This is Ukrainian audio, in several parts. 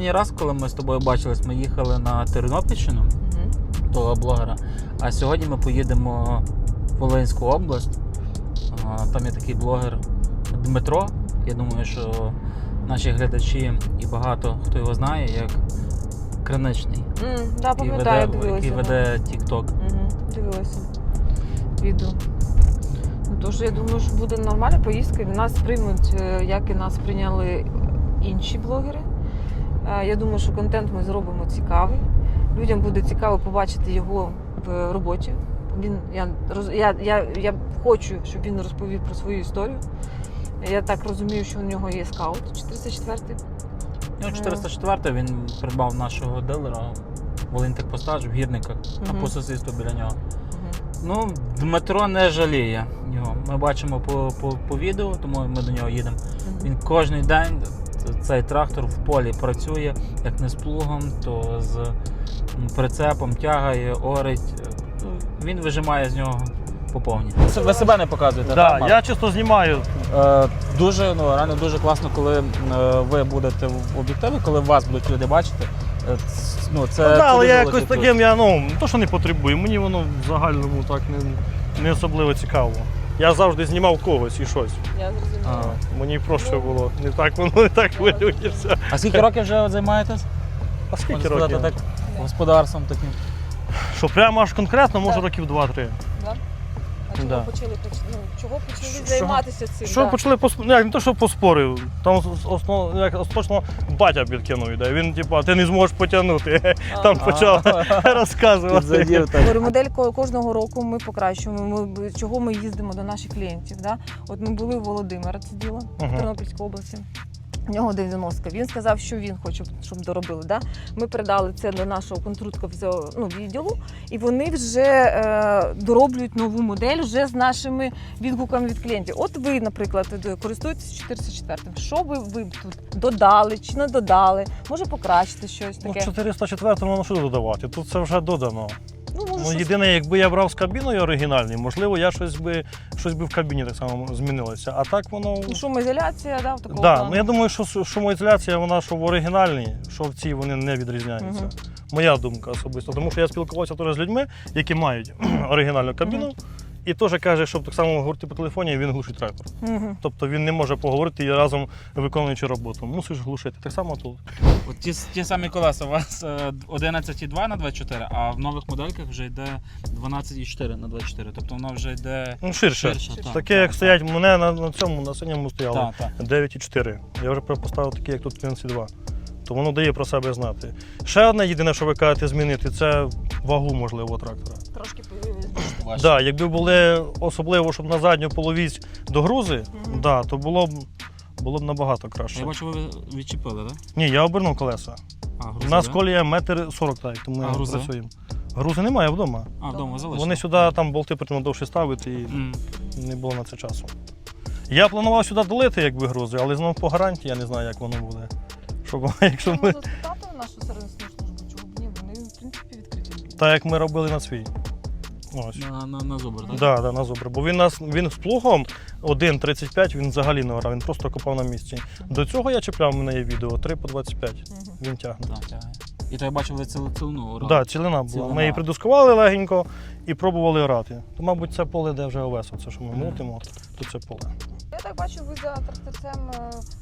Останній раз, коли ми з тобою бачились, ми їхали на Тернопільщину, того блогера, а сьогодні ми поїдемо в Волинську область. Там є такий блогер Дмитро. Я думаю, що наші глядачі і багато хто його знає, як Криничний. Да, пам'ятаю, дивилася. Який веде TikTok. Дивилася відео. Тож я думаю, що буде нормальна поїздка. Нас приймуть, як і нас прийняли інші блогери. Я думаю, що контент ми зробимо цікавий. Людям буде цікаво побачити його в роботі. Я хочу, щоб він розповів про свою історію. Я так розумію, що у нього є скаут 404-й. 404-й, він придбав нашого дилера Волинтехпостач в Гірниках, а по сусідству біля нього. Ну, Дмитро не жаліє його. Ми бачимо по відео, тому ми до нього їдемо. Він кожен день, цей трактор в полі працює, як не з плугом, то з прицепом, тягає, орить. Він вижимає з нього по повній. Ви себе не показуєте? Так, я чисто знімаю. Дуже, реально дуже класно, коли ви будете в об'єктиві, коли вас будуть люди бачити. Але я якось таким, не то, що не потребую, мені воно в загальному так не особливо цікаво. Я завжди знімав когось і щось. Я зрозуміла. Мені проще було, воно не так хвилюється. А скільки років вже займаєтесь? А скільки Можна років? сказати, так, господарством таким? Що прямо аж конкретно, може років 2-3. Да? А чого почали займатися цим? Що почали не то, що поспорив, там остаточно батя підкинув ідею. Він ти не зможеш потягнути. Там почав розказувати. Модель кожного року ми покращуємо. Чого ми їздимо до наших клієнтів. Да? От ми були у Володимира, це діло, в Тернопільській області. У нього 90-ка. Він сказав, що він хоче, щоб доробили. Да? Ми передали це до нашого конструкторського відділу, і вони вже дороблюють нову модель вже з нашими відгуками від клієнтів. От ви, наприклад, користуєтесь 404-м. Що ви тут додали чи не додали? Може покращити щось таке? 404-му воно що додавати? Тут це вже додано. Єдине, якби я брав з кабіною оригінальною, можливо, щось би в кабіні так само змінилося. А так воно... Шумоізоляція, да, в такому плану? Я думаю, що шумоізоляція, вона що в оригінальній, що в цій вони не відрізняються. Моя думка особисто. Тому що я спілкувався теж з людьми, які мають оригінальну кабіну. І теж каже, щоб так само говорити по телефоні, він глушить трактор. Тобто він не може поговорити і разом виконуючи роботу. Мусиш глушити. Так само тут. От ті самі колеса, у вас 11,2 на 24, а в нових модельках вже йде 12,4 на 24. Тобто воно вже йде ширше. Таке, як стоять у мене на синьому стояло 9,4. Я вже поставив такі, як тут 11,2. То воно дає про себе знати. Ще одне єдине, що ви кажете змінити, це вагу, можливо, трактора. Трошки появилось. Так, якби були особливо, щоб на задню половість догрузи, то було б набагато краще. Я бачу, ви відчепили, так? Ні, я обернув колеса. У нас колія 1,40 м, тому ми працюємо. Грузи немає вдома. Вдома залишили. Вони сюди болти потрібно довше ставити і не було на це часу. Я планував сюди долити, якби грузи, але знову по гарантії я не знаю, як воно буде. Якщо ми... Можна спитати нашу сервісну службу, чого б ні, вони в принципі відкриті. Так, як ми робили на свій. Ось. На зубр, так? Так, на зубр. Бо він з плугом 1,35 він взагалі не орав, він просто копав на місці. До цього я чіпляв, у мене є відео, 3 по 25 він тягне. І то я бачив, ви цілину орали? Так, цілина була. Ми її придускували легенько і пробували орати. То, мабуть, це поле, де вже овес, це що ми мутимо, то це поле. Я так бачу, ви за тракторцем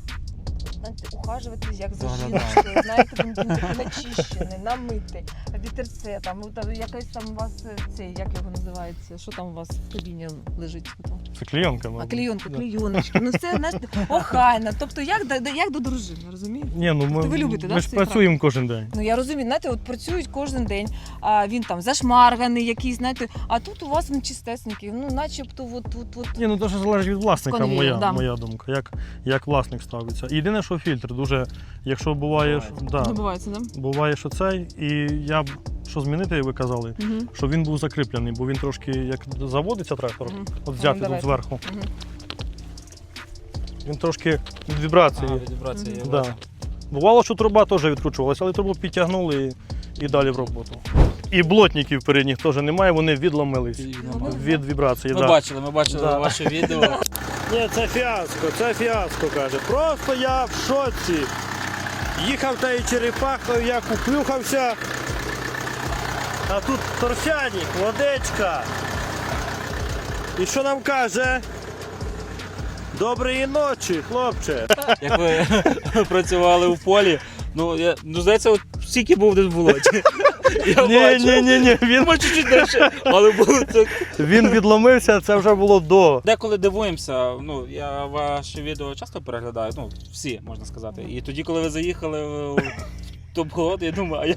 ухаживаєтесь як за жінкою, знаєте, він такий начищений, намитий, вітерце, там якась там у вас як його називається, що там у вас в кабіні лежить? Це клейонка, мабуть. Клейоночка, це, знаєте, охайно, тобто як до дружини, розумієте? Ні, ви любите, ми ж працюємо кожен день. Я розумію, знаєте, от працюють кожен день, а він там зашмарганий якийсь, знаєте, а тут у вас він чистесенький, начебто от. Ні, дуже залежить від власника, моя думка, як власник ставиться. Єдине, що фільтр дуже, якщо буває, буває, що цей, і я б, що змінити, як ви казали, щоб він був закріплений, бо він трошки, як заводиться трактор, от взяти тут зверху, він трошки від вібрації. Бувало, що труба теж відкручувалася, але трубу підтягнули і далі в роботу. І блотників передніх теж немає, вони відломились від вібрації. Ми бачили ваше відео. Ні, це фіаско, каже. Просто я в шоці. Їхав тією черепахою, я куплюхався. А тут торфяник, водичка. І що нам каже? Доброї ночі, хлопче. Як ви працювали у полі, здається, от стільки був десь в болоті. Ні, він, Ми чуть-чуть далі, але було так. він відломився, це вже було до. Деколи дивуємося, я ваші відео часто переглядаю, всі, можна сказати. І тоді, коли ви заїхали в топ-голод, я думаю,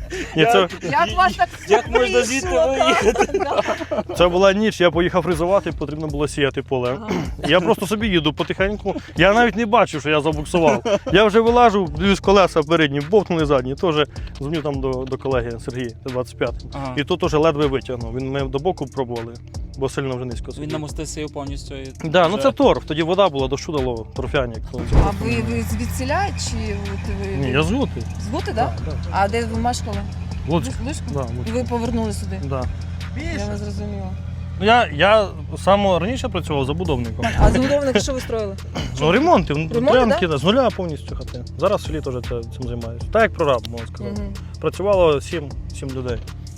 Як вас так як можна звідти виїхати? Це була ніч, я поїхав фризувати, потрібно було сіяти поле. Я просто собі їду потихеньку. Я навіть не бачив, що я забуксував. Я вже вилажу, дивлюсь, колеса передні, бовтнули задні. Теж дзвоню там до колеги Сергія, 25-м. Ага. І тут теж ледве витягнув. Ми до боку пробували, бо сильно вже низько Він сидів. намостився повністю. Да, це торф, тоді вода була, дощу дало, торфяник. А ви звідсіля чи от ви? Ні, я з Гути. З Гути, так? Да. А де ви мешкали? Луцьк. Луцьку? Да, І Луцьк. ви повернули сюди? Да. Я вас зрозуміла. Ну, я саме раніше працював забудовником. А забудовники що ви строїли? Ну, ремонти, Ремонти, прям з нуля повністю хати. Зараз в селі теж цим займаюся. Так як прораб, можна сказати. Мгм. Працювало 7 людей.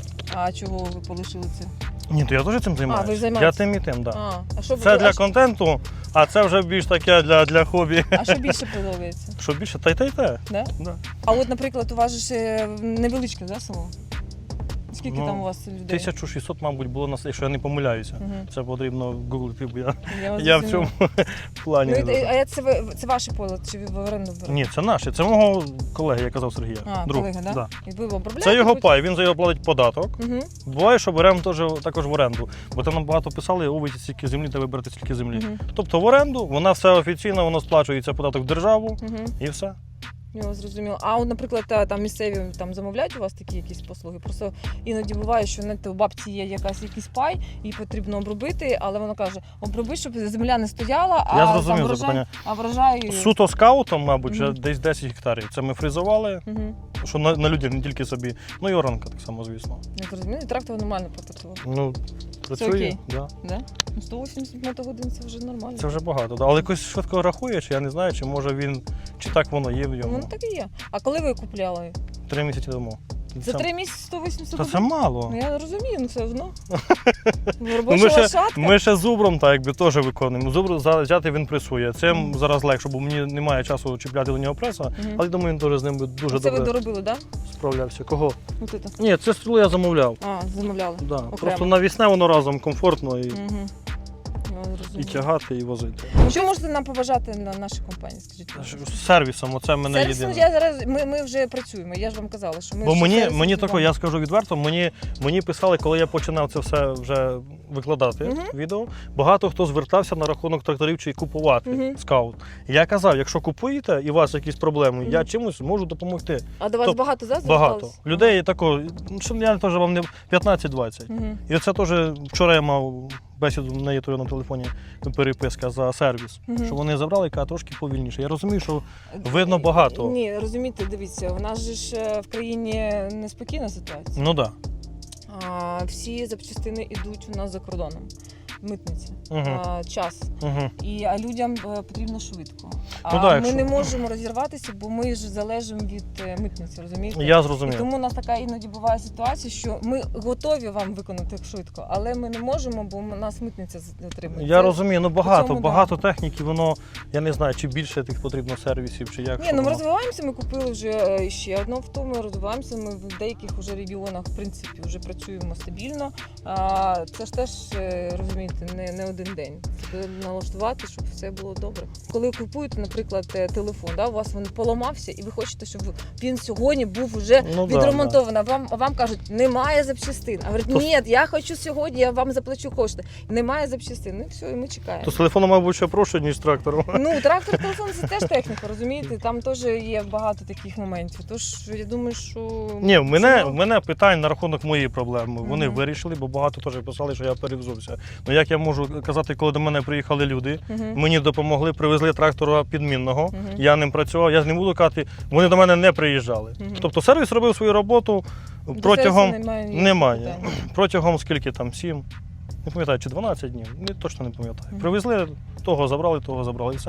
А чого ви полишили це? Ні, то я теж цим займаюся. ви займаєтесь? Я тим і тим, так. А що Це ви- для контенту, а це вже більш таке для хобі. а що більше подобається? Що більше? Та й те. Да? Да. А от, наприклад, у вас же ж невеличке, да, село? Скільки Ну, там у вас людей? 1600, мабуть, було нас, якщо я не помиляюся. Мгм. Це потрібно гуглити, бо вас я в зрозуміла. цьому плані. Ну, не дуже. а це ваше поле, чи ви в оренду берете? Ні, це наше. Це мого колеги, я казав Сергія. А, друг. колега, да? Да. І ви обробляєте? Це його пай, він за його платить податок. Угу. Буває, що беремо також в оренду. Бо там нам багато писали, увидіть стільки землі, та виберете стільки землі. Угу. Тобто в оренду, вона все офіційно, воно сплачується податок в державу Угу. і все. Я зрозуміла. А от, наприклад, там місцеві там замовляють у вас такі якісь послуги? Просто іноді буває, що у бабці є якийсь пай, їй потрібно обробити, але вона каже, оброби, щоб земля не стояла, Я а зрозумів там врожай, запитання. а врожай... Суто скаутом, мабуть, вже Мгм. десь 10 гектарів. Це ми фризували, Угу. що на людей, не тільки собі. Ну і оранка так само, звісно. Я зрозуміла, і трактор нормально потратила. Ну, працює. окей? Да. Да? Ну, 180 мотогодин це вже нормально. Це вже багато. Да. Але якось швидко рахує, чи я не знаю, чи може він, чи так воно є в йому. Ну так і є. А коли ви купляли? 3 місяці тому. За 3 місяці 180 Та це мало. Ну я розумію, ну все одно. Ну, Робоча лошадка. ми ще зубром так якби теж виконуємо. Зубр взяти він пресує. Цим зараз легше, бо мені немає часу чіпляти до нього преса, Мгм. але думаю, він теж з ним би дуже Це ви добре доробили, так? справлявся. Кого? Да? От це. Ні, це стрілу я замовляв. А, замовляли. Да. Просто навісне воно разом комфортно і тягати, і возити. Що можете нам побажати на нашій компанії? Скажіть, будь ласка? З сервісом, оце мене Сервісно, єдине. я зараз ми вже працюємо. Я ж вам казала, що ми Бо вже мені сервісно тако, я скажу відверто, мені писали, коли я починав це все вже викладати Мгм. відео. Багато хто звертався на рахунок тракторів чи купувати Мгм. скаут. Я казав, якщо купуєте і у вас якісь проблеми, я Мгм. чимось можу допомогти. А до вас Тобто багато зараз Багато людей тако, що я теж вам не 15-20. Угу. І оце теж вчора я мав бесіду, в неї то на телефоні переписка за сервіс, Мгм. що вони забрали, яка трошки повільніше. Я розумію, що видно багато. Ні, розумієте, дивіться, у нас же ж в країні неспокійна ситуація. Ну так. Всі запчастини йдуть у нас за кордоном. Митниці, Угу. час. Угу. А людям потрібно швидко. А Ну да, ми якщо- не можемо розірватися, бо ми ж залежимо від митниці, розумієте? Я І зрозумів. тому у нас така іноді буває ситуація, що ми готові вам виконати швидко, але ми не можемо, бо нас митниця затримує. Я Це- розумію, ну цьому, багато техніки, воно, я не знаю, чи більше тих потрібно сервісів, чи як. Ні, що ну ми воно. розвиваємося, ми купили вже ще одне авто, ми розвиваємося, ми в деяких вже регіонах, в принципі, вже працюємо стабільно. Це ж теж, розумієте, не один день. Це налаштувати, щоб все було добре. Коли купуєте, наприклад, телефон, да, у вас він поламався, і ви хочете, щоб він сьогодні був вже Ну, да, відремонтований. А вам кажуть, немає запчастин. А говорять, То- ні, я хочу сьогодні, я вам заплачу кошти. Немає запчастин. Ну і все, і ми чекаємо. То з телефоном, мабуть, ще проще, ніж з трактором. Ну, трактор, телефон це теж техніка, розумієте? Там теж є багато таких моментів. Тож я думаю, що Ні, в мене питань на рахунок моєї проблеми. Вони Мгм. вирішили, бо багато теж писали, що я перевзувся. Ну як я можу казати, коли до мене приїхали люди, Мгм. мені допомогли, привезли трактора підмінного, Мгм. я ним працював, я ж не буду казати, вони до мене не приїжджали. Мгм. Тобто сервіс робив свою роботу До протягом. сервісу ніяких Немає. питань. Протягом скільки там, 7, не пам'ятаю, чи 12 днів, точно не пам'ятаю. Мгм. Привезли, того забрали і все.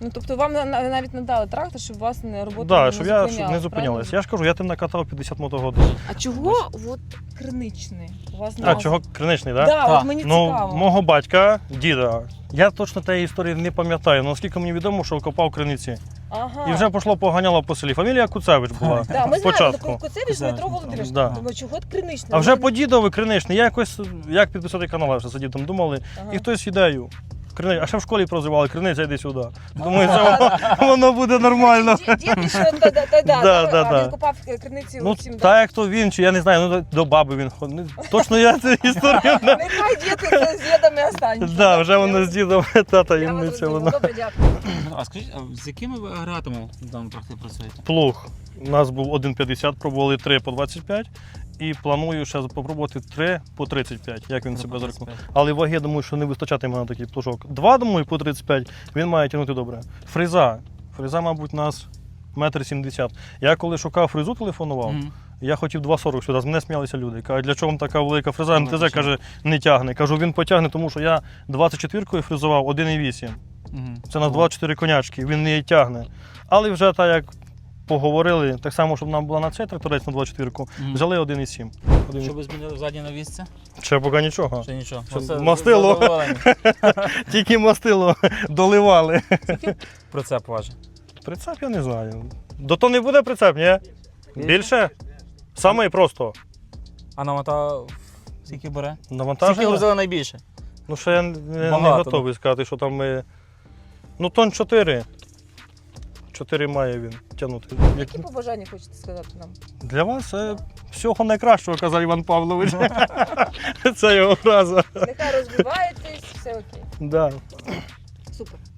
Ну, тобто вам навіть надали трактор, щоб вас не робота Да, не щоб я зупиняла, не зупинялася. правильно? Я ж кажу, я тим накатав 50 мотогодин. А чого от криничний? У вас А чого криничний, так? Да, Так. от мені Ну, цікаво. мого батька, діда. Я точно тієї історії не пам'ятаю, але наскільки мені відомо, що копав криниці. Ага. І вже пішло поганяло по селі. Фамілія Куцевич була. Да, ми спочатку. знаємо, Куцевич Дмитро Володимирович. Да. Думаю, чого от криничний? А вже по дідові криничний. Я якось, як підписати канал, вже сидів там, думали, Ага. і хтось ідею. А ще в школі прозивали, криниця, йди сюди. Думаю, це воно буде нормально. Дід ще да, Да. він купав криниці Ну, усім. так як то він, чи я не знаю, ну до баби він ходить. Точно я цю історію не... Нехай дід це з дідами останеться. Да, вже воно з дідом, та Я вас таємниця розумію. воно. Добре, дякую. Ну, а скажіть, а з якими ви агрегатами в даному тракторі працюєте? Плуг. У нас був 1,50, пробували 3 по 25. І планую ще спробувати 3 по 35, як він себе зарекомендує. Але ваги, думаю, що не вистачатиме на такий плужок. 2, думаю, по 35 він має тягнути добре. Фреза. Фреза, мабуть, у нас 1,70 м. Я коли шукав фрезу, телефонував, Мгм. я хотів 2,40 сюди. З мене сміялися люди. Кажуть, для чого вам така велика фреза? Ну, МТЗ, чому? каже, не тягне. Кажу, він потягне, тому що я 24-кою фрезував 1,8. Мгм. Це на 24 конячки, він не її тягне. Але вже так як поговорили, так само, щоб нам була на цей тракторець на 24-ку, Мгм. взяли 1,7. Що ви змінили в задній навісці? Ще поки нічого. Чи нічого? Що, Оце мастило? задоволені. Тільки мастило доливали. Прицеп важить. Прицеп я не знаю. До то не буде прицеп, ні? Більше? Саме просто. А навантаження скільки бере? Скільки Навантаження? грузили найбільше? Ну, ще я не Багато, готовий сказати, що там ми. Ну, тонн 4. 4 має він тягнути. Які побажання хочете сказати нам? Для вас всього найкращого, казав Іван Павлович. Це його фраза. Нехай розвиваєтесь, все окей. Да. Супер.